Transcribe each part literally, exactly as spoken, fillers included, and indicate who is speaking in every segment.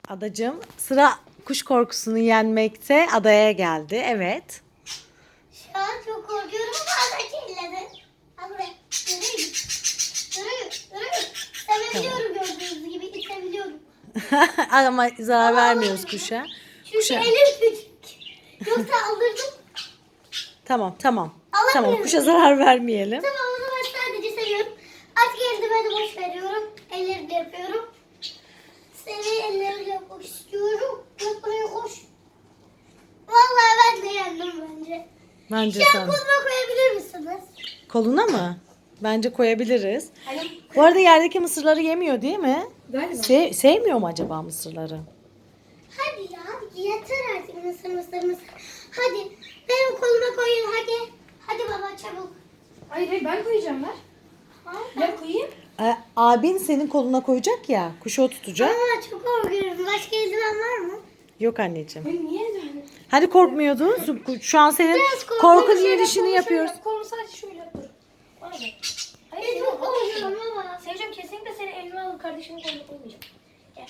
Speaker 1: Adacığım sıra kuş korkusunu yenmekte adaya geldi. Evet.
Speaker 2: Şu an çok korkuyorum ama ada kirledi. Al buraya. Yürü. Yürü. Yürü. Sevebiliyorum gördüğünüz gibi. İtebiliyorum.
Speaker 1: Ama zarar vermiyoruz kuşa.
Speaker 2: Çünkü
Speaker 1: Kuşa.
Speaker 2: elim küçük. Yoksa alırdım.
Speaker 1: Tamam tamam.
Speaker 2: Alamıyorum.
Speaker 1: Tamam kuşa zarar vermeyelim.
Speaker 2: Tamam o zaman sadece seviyorum. Artık eldiveni boş veriyorum. Ellerimle yapıyorum. Seni ellerimle yapmak istiyorum. Yok buraya koş. Vallahi ben de yendim bence.
Speaker 1: Bence
Speaker 2: Şu
Speaker 1: sen.
Speaker 2: an koluma koyabilir misiniz?
Speaker 1: Koluna mı? Bence koyabiliriz.
Speaker 2: Hani
Speaker 1: Bu arada yerdeki mısırları yemiyor değil mi?
Speaker 2: galiba.
Speaker 1: Se- sevmiyor mu acaba mısırları?
Speaker 2: Hadi ya yeter artık mısır mısır mısır. Hadi benim koluma koyun hadi. Hadi baba çabuk.
Speaker 3: Hayır hayır ben koyacağım ver.
Speaker 2: Ha,
Speaker 3: Ben koyayım.
Speaker 1: Ee, abin senin koluna koyacak ya. Kuşu o tutacak.
Speaker 2: Ama çok korkuyorum. Başka eldiven var mı?
Speaker 1: Yok anneciğim.
Speaker 3: Ben niye öyle?
Speaker 1: Hadi korkmuyordun. Şu an senin
Speaker 2: Biraz korkunç
Speaker 1: korkun
Speaker 2: şeyler
Speaker 1: yürüyüşünü yapıyoruz.
Speaker 3: Kolumu sadece şöyle yapıyorum. Bana bak.
Speaker 2: Ben
Speaker 3: Hayır
Speaker 2: çok
Speaker 3: çok korkuyorum.
Speaker 2: korkuyorum baba.
Speaker 3: Seveceğim kesinlikle seni elime alıp kardeşimin koluna koymayacağım. Gel.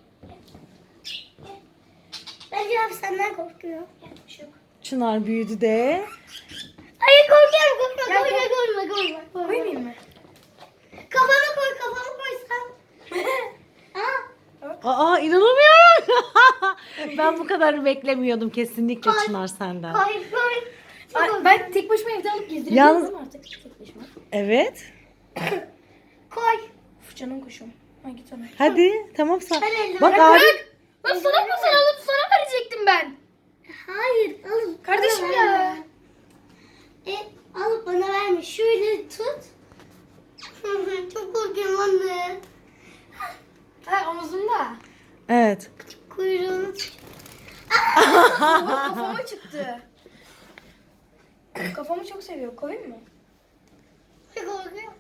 Speaker 2: Bence abi senden korkuyor.
Speaker 3: Gel. Bir şey yok.
Speaker 1: Çınar büyüdü de.
Speaker 2: Hayır korkuyorum korkma
Speaker 3: Gel,
Speaker 2: koyma
Speaker 3: gel.
Speaker 2: koyma koyma. koyma.
Speaker 3: Koymayayım mı?
Speaker 2: Kafana koy kafana koy sen. Ha?
Speaker 1: Aa inanamıyorum. Ben bu kadarı beklemiyordum kesinlikle
Speaker 2: Koy.
Speaker 1: Çınar senden.
Speaker 2: Koy koy. Çok
Speaker 3: Ay,
Speaker 2: korkuyorum.
Speaker 3: ben tek başıma evde alıp gezdirebilirim
Speaker 1: Yalnız-
Speaker 3: artık. Tek başıma.
Speaker 1: Evet.
Speaker 2: Koy.
Speaker 3: Uf canım kuşum. Ay git ona.
Speaker 1: Hadi tamam sen.
Speaker 2: Ben eldiven-
Speaker 1: Bak
Speaker 2: Bırak.
Speaker 1: abi.
Speaker 3: Lan sana mı sen alıp sana verecektim ben.
Speaker 2: Hayır alın.
Speaker 3: Kardeşim
Speaker 2: bana
Speaker 3: ya.
Speaker 2: verme. E, alıp bana verme. Şöyle tut. Çok korkuyorum anne.
Speaker 3: Ha omuzumda.
Speaker 1: Evet.
Speaker 2: Kuyruğunu tut.
Speaker 3: Oha, kafama çıktı. Kafamı çok seviyor. Koyayım mı?
Speaker 2: Çok korkuyorum.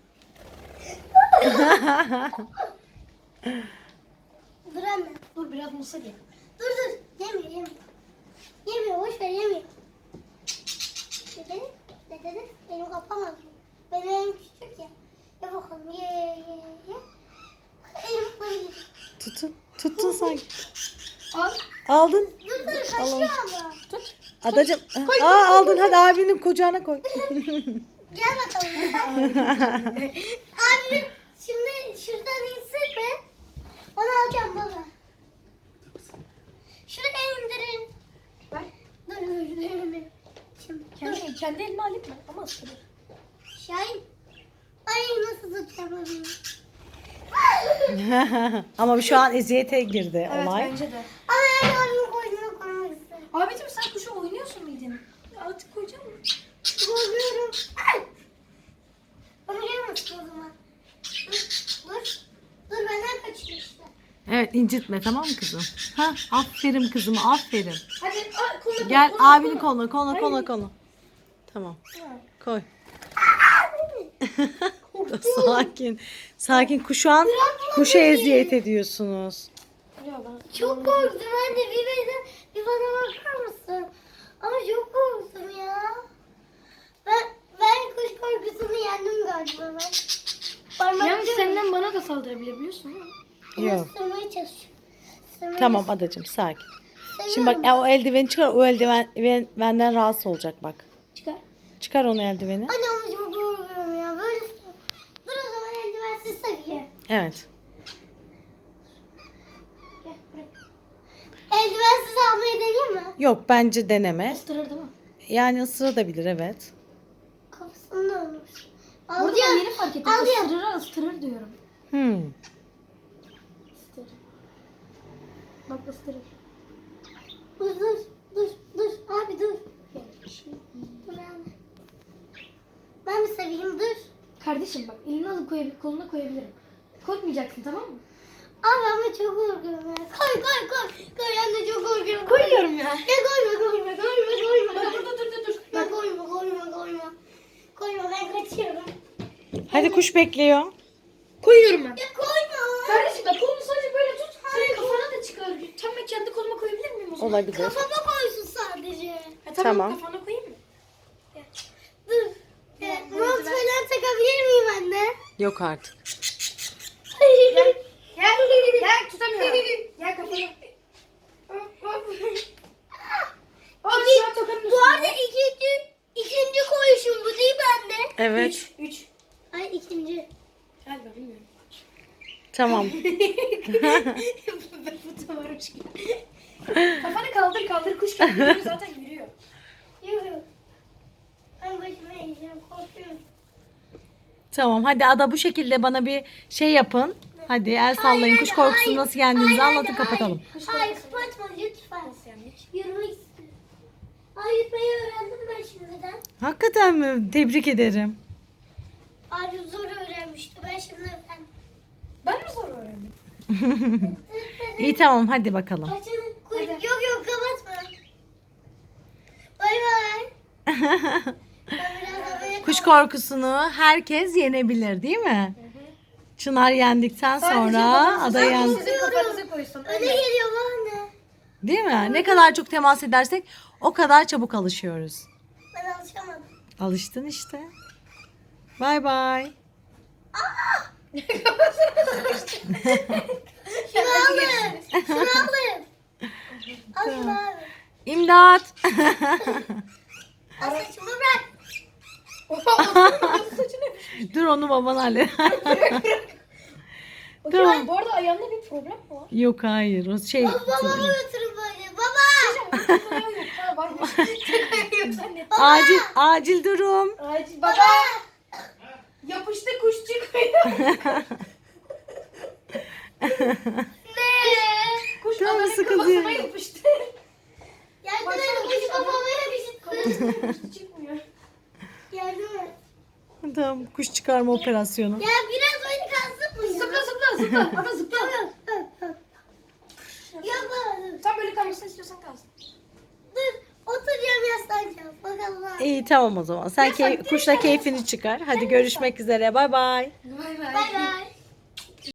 Speaker 2: Dur anne.
Speaker 3: Dur biraz mısır ye.
Speaker 2: Dur dur. Yemiyor yemiyor. Yemiyor boş ver yemiyor. Ne dedi? Ne dedi? Benim kafam ağrıyor. Benim elim küçük ya. Ye bakalım ye ye ye. ye. Elim koyuyor.
Speaker 1: Tutun. Tuttun sanki.
Speaker 3: Al.
Speaker 1: Aldın.
Speaker 2: Dur dur kaçıyor ama.
Speaker 3: Tut.
Speaker 1: Adacım. Aa aldın hadi abinin kucağına koy.
Speaker 2: Gel bakalım. Abi şimdi şuradan insin mi? Onu alacağım baba. Şuraya indirin.
Speaker 3: Ver.
Speaker 2: Dur dur dur. dur. Şimdi dur.
Speaker 3: Kendi, kendi elime alayım mı? Ama ısırır.
Speaker 2: Şahin. Ay nasıl tutacağım onu?
Speaker 1: Ama şu an eziyete girdi
Speaker 3: Evet
Speaker 1: olay.
Speaker 3: bence de.
Speaker 2: Ama yani onun koynuna koymak istedim.
Speaker 3: Abicim sen kuşa oynuyorsun muydun? Artık koyacağım mı?
Speaker 2: Korkuyorum. Ay! Onu gelmesin o zaman. Dur. Dur. Dur benden kaçıyor işte.
Speaker 1: Evet incitme tamam mı kızım? Ha, aferin kızım aferin.
Speaker 3: Hadi a, koluna
Speaker 1: Gel
Speaker 3: koy, koluna,
Speaker 1: abinin koluna koluna koluna
Speaker 3: Hayır.
Speaker 1: koluna. Tamam
Speaker 3: Ha.
Speaker 1: koy. Sakin. Sakin kuş şu an kuşa eziyet ediyorsunuz.
Speaker 3: Ya ben-
Speaker 2: Çok korktum anne. Bir bana, bir bana bakar mısın? Ama çok korktum ya. Ben ben kuş korkusunu yendim galiba ben. Parmak
Speaker 3: Yalnız
Speaker 2: ucuyla
Speaker 3: senden bana da saldırabilir biliyorsun değil mi?
Speaker 1: Yok.
Speaker 2: ısırmaya çalışıyorum. Isırmaya
Speaker 1: Tamam adacım sakin.
Speaker 2: çalışıyorum.
Speaker 1: Şimdi bak e, o eldiveni çıkar o eldiven ben- benden rahatsız olacak bak.
Speaker 3: Çıkar.
Speaker 1: Çıkar onu eldiveni.
Speaker 2: Anne ama çok korkuyorum ya. Böyle dur o zaman eldivensiz seviye.
Speaker 1: Evet.
Speaker 2: Gel bırak. Eldivensiz almayı deneyeyim mi?
Speaker 1: Yok bence deneme.
Speaker 3: Isırır değil mi?
Speaker 1: Yani ısırabilir evet.
Speaker 2: Kafasında olmuş.
Speaker 3: Burada ben yeni fark ettim.
Speaker 2: Al ya.
Speaker 3: Isırır ısırır diyorum.
Speaker 1: Hmm.
Speaker 3: Isırır. Bak ısırır.
Speaker 2: Dur dur dur dur abi dur. Dur anne. Ben mi seveyim dur.
Speaker 3: Kardeşim bak elini alıp koyabilir, koluna koyabilirim. Korkmayacaksın tamam mı?
Speaker 2: Abi ama çok korkuyorum ya. Koy koy koy. Koy anne çok korkuyorum.
Speaker 3: Koyuyorum ya.
Speaker 2: Ya koyma koyma koyma koyma.
Speaker 3: Dur dur dur dur dur.
Speaker 2: Ya koyma koyma koyma. Koyma ben kaçıyorum.
Speaker 1: Hadi kuş bekliyor.
Speaker 3: Koyuyorum ben.
Speaker 2: Ya koyma.
Speaker 3: Kardeşim bak kolunu sadece böyle tut. Senin kafana da çıkar. Tam ben kendi koluma koyabilir miyim o zaman?
Speaker 1: Olabilir.
Speaker 2: Kafama koysun sadece.
Speaker 3: Ha, tamam,
Speaker 1: Tamam.
Speaker 3: kafana koyayım mı?
Speaker 2: Dur. Ya, mont falan takabilir miyim anne?
Speaker 1: Yok artık.
Speaker 3: Gel. Gel tutamıyorum. Gel kafana
Speaker 1: Evet.
Speaker 3: Üç. Üç.
Speaker 2: Ay ikinci.
Speaker 3: Galiba bilmiyorum.
Speaker 1: Tamam.
Speaker 3: Bu da varmış gibi. Kafanı kaldır kaldır kuş kendini zaten yürüyor.
Speaker 2: Yok. Ben başıma yiyeceğim. Korkuyorum.
Speaker 1: Tamam hadi Ada bu şekilde bana bir şey yapın. Hadi el sallayın. Kuş korkusunu nasıl yendiğinizi anlatın, kapatalım.
Speaker 2: Hayır, hayır kapatma lütfen.
Speaker 3: Nasıl yendik?
Speaker 2: Yürümek istiyorum. Ay yürümeyi öğrendim ben şimdiden.
Speaker 1: Hakikaten mi? Tebrik ederim.
Speaker 2: Abi zor öğrenmişti. Ben şimdi öğrendim.
Speaker 3: Ben mi zor öğrendim?
Speaker 1: İyi tamam hadi bakalım.
Speaker 2: Açın. Kuy- Yok yok kapatma. Bay bay. Ben biraz da böyle
Speaker 1: Kuş korkusunu herkes yenebilir değil mi? Çınar yendikten sonra Ada
Speaker 3: Sadece
Speaker 1: yendi.
Speaker 3: sizin kafanıza koysun.
Speaker 2: öne geliyor anne.
Speaker 1: Değil mi? Ne kadar çok temas edersek o kadar çabuk alışıyoruz.
Speaker 2: Ben alışamadım.
Speaker 1: Alıştın işte. Bay bay.
Speaker 2: Şunu alın. Şunu alın. Al şunu abi.
Speaker 1: İmdat.
Speaker 2: Al saçımı bırak.
Speaker 3: Saçını.
Speaker 1: Dur onu baban halleder.
Speaker 3: Hocam bu arada ayağında bir problem mi var?
Speaker 1: Yok hayır o şey.
Speaker 2: Babamı götürün böyle. Baba.
Speaker 3: Ayağı yok. Ha varmış. Ayağı yok zannet.
Speaker 1: Acil acil durum.
Speaker 3: Acil baba. Yapıştı kuş çıkmıyor.
Speaker 2: Ne?
Speaker 3: Kuş
Speaker 1: Canım
Speaker 3: adamın
Speaker 1: sıkılıyor.
Speaker 3: kafasına yapıştı.
Speaker 2: Yardım
Speaker 3: Baksana,
Speaker 2: et. Kuş kafama yapıştı.
Speaker 3: Kuş çıkmıyor.
Speaker 2: Yardım et.
Speaker 1: Tamam kuş çıkarma operasyonu.
Speaker 2: Ya biraz oyun kalsın mı?
Speaker 3: Zıpla zıpla zıpla. Ama zıpla.
Speaker 2: Yapalım.
Speaker 3: Sen böyle kalmasını istiyorsan kalsın.
Speaker 2: Dur. Oturacağım yaslanacağım. Bakalım. ha.
Speaker 1: İyi tamam o zaman. Sen key- kuşla keyfini çıkar. Hadi görüşmek üzere. Bay bay.
Speaker 3: Bay
Speaker 2: Bay bay.